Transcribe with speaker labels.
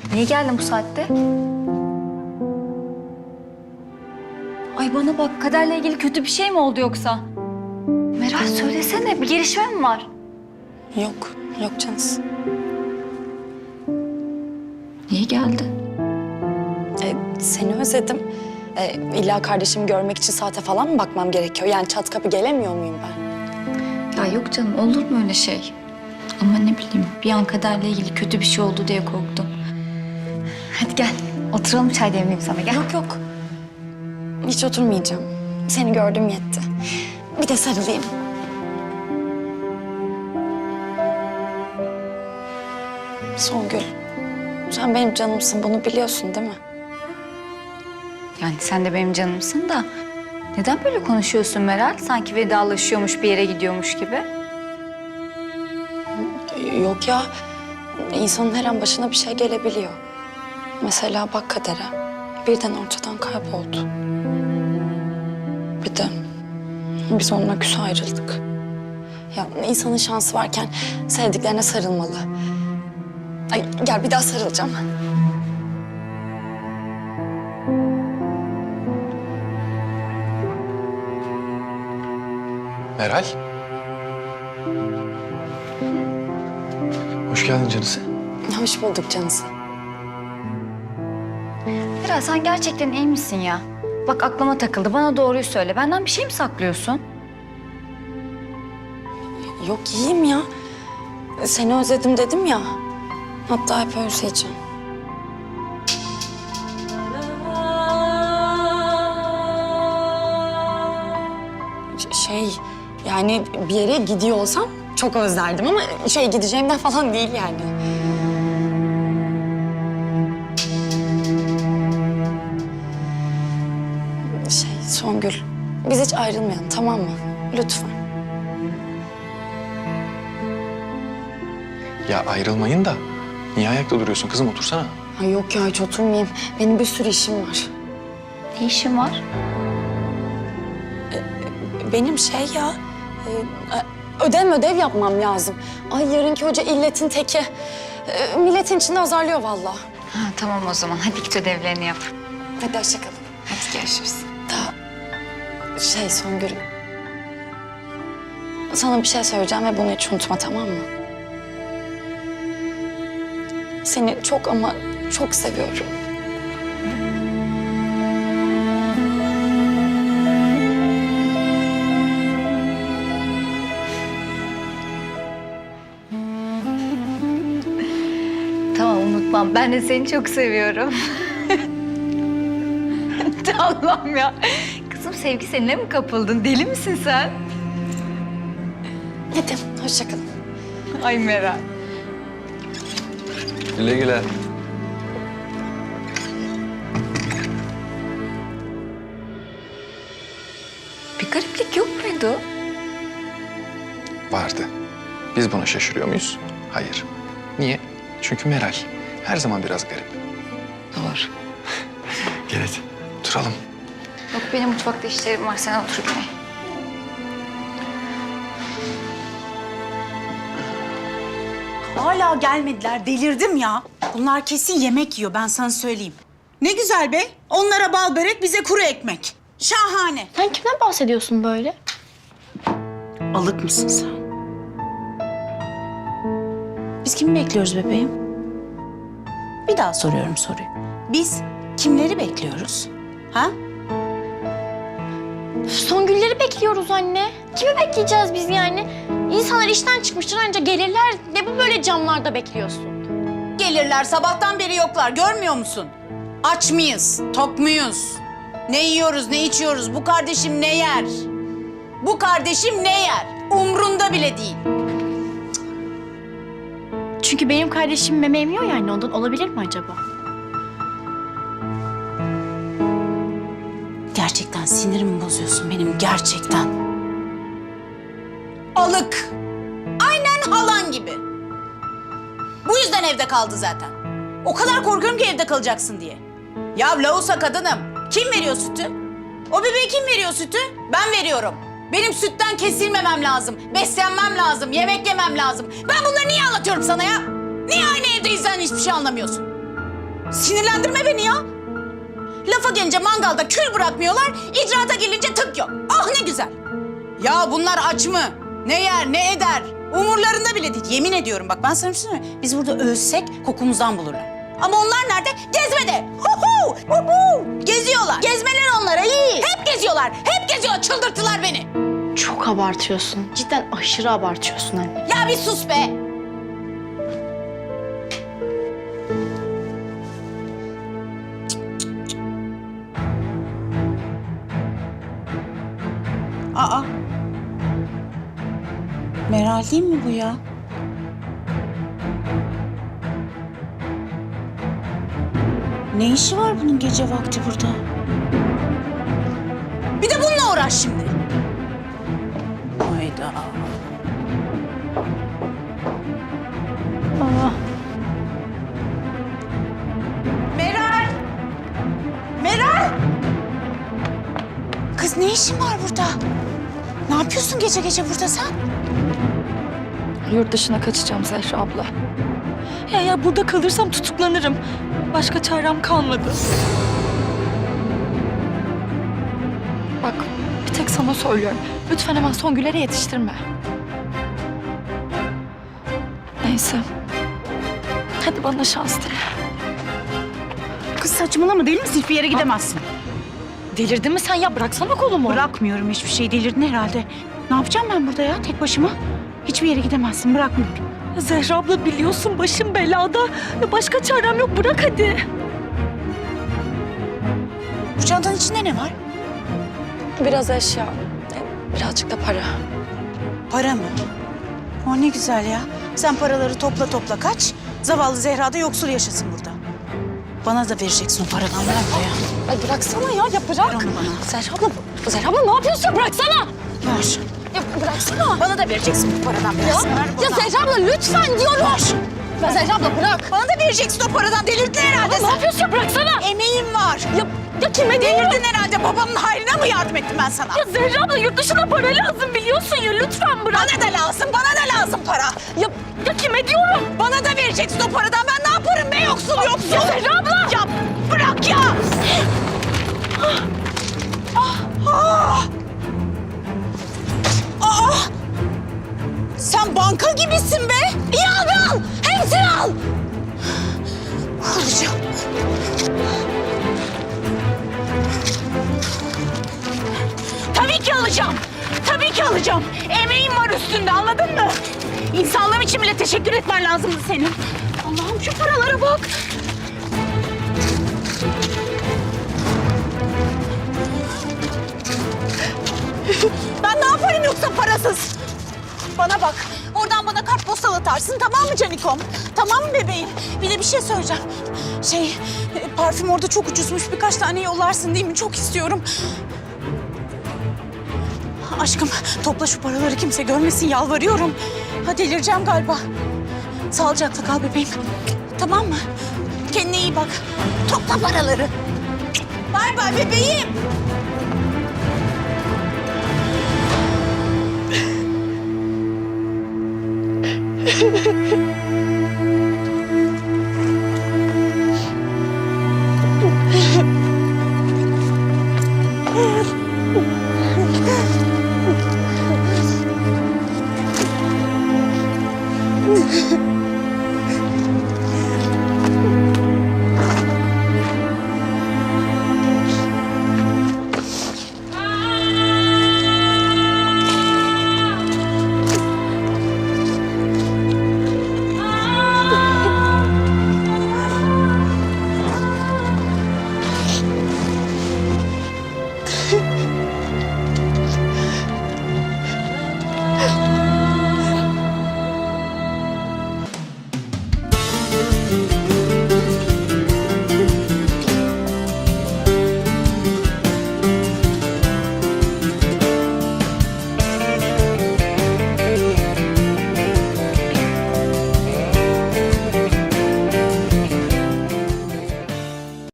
Speaker 1: Niye geldin bu saatte? Ay bana bak, Kader'le ilgili kötü bir şey mi oldu yoksa? Meral söylesene, bir gelişme mi var?
Speaker 2: Yok, yok Cansu.
Speaker 1: Niye geldin?
Speaker 2: Seni özledim. İlla kardeşimi görmek için saate falan mı bakmam gerekiyor? Yani çat kapı gelemiyor muyum ben?
Speaker 1: Ya yok canım, olur mu öyle şey? Ama ne bileyim, bir an Kader'le ilgili kötü bir şey oldu diye korktum. Hadi gel, oturalım, çay demleyeyim sana, gel.
Speaker 2: Yok yok. Hiç oturmayacağım. Seni gördüm yetti. Bir de sarılayım. Songül, sen benim canımsın, bunu biliyorsun değil mi?
Speaker 1: Yani sen de benim canımsın da... Neden böyle konuşuyorsun Meral? Sanki vedalaşıyormuş, bir yere gidiyormuş gibi.
Speaker 2: Yok ya, insanın her an başına bir şey gelebiliyor. Mesela bak Kader'e, birden ortadan kayboldu. Bir de biz onunla küs ayrıldık. Ya insanın şansı varken sevdiklerine sarılmalı. Ay gel bir daha sarılacağım.
Speaker 3: Meral. Hoş geldin canısı.
Speaker 2: Hoş bulduk Cansu.
Speaker 1: Meral, sen gerçekten iyi misin ya? Bak aklıma takıldı, bana doğruyu söyle. Benden bir şey mi saklıyorsun?
Speaker 2: Yok iyiyim ya. Seni özledim dedim ya. Hatta hep özleyeceğim. Yani bir yere gidiyor olsam çok özlerdim ama gideceğimden falan değil yani. Songül, biz hiç ayrılmayalım tamam mı? Lütfen.
Speaker 3: Ya ayrılmayın da niye ayakta duruyorsun kızım, otursana.
Speaker 2: Ay yok ya hiç oturmayayım. Benim bir sürü işim var.
Speaker 1: Ne işin var?
Speaker 2: Benim ödev yapmam lazım. Ay yarınki hoca illetin teki. Milletin içinde azarlıyor vallahi.
Speaker 1: Ha, tamam o zaman. Hadi git ödevlerini yap.
Speaker 2: Hadi hoşça kalın.
Speaker 1: Hadi görüşürüz.
Speaker 2: Songül. Sana bir şey söyleyeceğim ve bunu hiç unutma tamam mı? Seni çok ama çok seviyorum.
Speaker 1: Tamam, unutmam. Ben de seni çok seviyorum. Allah'ım ya. Kızım, sevgi seninle mi kapıldın? Deli misin sen?
Speaker 2: Hadi hoşça kalın.
Speaker 1: Ay Meral.
Speaker 3: Güle güle.
Speaker 1: Bir gariplik yok muydu?
Speaker 3: Vardı. Biz buna şaşırıyor muyuz? Hayır. Niye? Çünkü Meral her zaman biraz garip.
Speaker 1: Doğru.
Speaker 3: Gel hadi oturalım.
Speaker 1: Yok, benim mutfakta işlerim var. Sen otur Güney.
Speaker 4: Hala gelmediler. Delirdim ya. Bunlar kesin yemek yiyor, ben sana söyleyeyim. Ne güzel be. Onlara bal börek, bize kuru ekmek. Şahane.
Speaker 5: Sen kimden bahsediyorsun böyle?
Speaker 4: Alık mısın sen? Biz kimi bekliyoruz bebeğim? Bir daha soruyorum soruyu. Biz kimleri bekliyoruz? Ha?
Speaker 5: Songülleri bekliyoruz anne. Kimi bekleyeceğiz biz yani? İnsanlar işten çıkmıştır, anca gelirler. Ne bu böyle camlarda bekliyorsun?
Speaker 4: Gelirler, sabahtan beri yoklar. Görmüyor musun? Aç mıyız? Tok muyuz? Ne yiyoruz, ne içiyoruz? Bu kardeşim ne yer? Bu kardeşim ne yer? Umrunda bile değil.
Speaker 5: Çünkü benim kardeşim meme emiyor yani, ondan olabilir mi acaba?
Speaker 4: Gerçekten sinirimi bozuyorsun benim, gerçekten. Alık. Aynen halan gibi. Bu yüzden evde kaldı zaten. O kadar korkuyorum ki evde kalacaksın diye. Ya lavusa kadınım. Kim veriyor sütü? O bebeğe kim veriyor sütü? Ben veriyorum. Benim sütten kesilmemem lazım. Beslenmem lazım. Yemek yemem lazım. Ben bunları niye anlatıyorum sana ya? Niye aynı evdeyiz sen hiçbir şey anlamıyorsun? Sinirlendirme beni ya. Lafa gelince mangalda kül bırakmıyorlar, icraata gelince tık yok. Ah ne güzel. Ya bunlar aç mı? Ne yer, ne eder? Umurlarında bile değil. Yemin ediyorum bak ben sana bir şey söyleyeyim mi? Biz burada ölsek kokumuzdan bulurlar. Ama onlar nerede? Gezmede. Huhu, huhu. Geziyorlar. Gezmeler onlara iyi. Hep geziyorlar. Hep geziyorlar. Çıldırttılar beni.
Speaker 5: Çok abartıyorsun. Cidden aşırı abartıyorsun anne.
Speaker 4: Ya bir sus be. Aa. Meral değil mi bu ya? Ne işi var bunun gece vakti burada? Bir de bununla uğraş şimdi. Hayda. Meral! Meral! Kız ne işin var burada? Ne yapıyorsun gece gece burada sen?
Speaker 2: Yurt dışına kaçacağım Zehra abla. Ya burada kalırsam tutuklanırım. Başka çarem kalmadı. Bak bir tek sana söylüyorum. Lütfen hemen Songül'lere yetiştirme. Neyse. Hadi bana şans dile.
Speaker 4: Kız saçmalama deli misin? Hiçbir yere gidemezsin.
Speaker 2: Delirdin mi sen ya? Bıraksana kolumu.
Speaker 4: Bırakmıyorum hiçbir şey. Delirdin herhalde. Ne yapacağım ben burada ya tek başıma? Hiçbir yere gidemezsin. Bırakmıyorum.
Speaker 2: Zehra abla biliyorsun başım belada. Başka çarem yok. Bırak hadi.
Speaker 4: Bu çantanın içinde ne var?
Speaker 2: Biraz eşya. Birazcık da para.
Speaker 4: Para mı? O ne güzel ya. Sen paraları topla topla kaç. Zavallı Zehra da yoksul yaşasın burada. Bana da vereceksin o paradan. Bırak da ya.
Speaker 2: Ay bıraksana ya bırak.
Speaker 4: Ver onu bana.
Speaker 2: Zehra abla ne yapıyorsun? Bıraksana.
Speaker 4: Ver.
Speaker 2: Ya bıraksana.
Speaker 4: Bana da vereceksin bu paradan biraz. Ver
Speaker 2: Ya
Speaker 4: bana.
Speaker 2: Zehra abla lütfen diyorum. Ya Zehra abla bırak.
Speaker 4: Bana da vereceksin o paradan. Delirdin herhalde
Speaker 2: Ne
Speaker 4: sen.
Speaker 2: yapıyorsun? Bıraksana.
Speaker 4: Emeğim var.
Speaker 2: Ya kime diyorum?
Speaker 4: Delirdin herhalde. Babamın hayrına mı yardım ettim ben sana?
Speaker 2: Ya Zehra abla yurt dışına para lazım biliyorsun ya. Lütfen bırak.
Speaker 4: Bana da lazım. Bana da lazım para.
Speaker 2: Ya kime diyorum?
Speaker 4: Bana da vereceksin o paradan. Ben ne yaparım be yoksul yoksul.
Speaker 2: Ya Zehra abla.
Speaker 4: Ya bırak ya. Aa! Sen banka gibisin be. İyi al. Hepsini al. Alacağım. Tabii ki alacağım. Tabii ki alacağım. Emeğim var üstünde anladın mı? İnsanlığım için bile teşekkür etmen lazımdı senin. Allah'ım şu paralara bak. Ben ne yaparım yoksa parasız? Bana bak. Oradan bana kartpostal atarsın tamam mı Canikom? Tamam mı bebeğim? Bir de bir şey söyleyeceğim. Parfüm orada çok ucuzmuş. Birkaç tane yollarsın değil mi? Çok istiyorum. Aşkım topla şu paraları kimse görmesin yalvarıyorum. Ha delireceğim galiba. Sağlıcakla kal bebeğim. Tamam mı? Kendine iyi bak. Topla paraları. Bay bay bebeğim.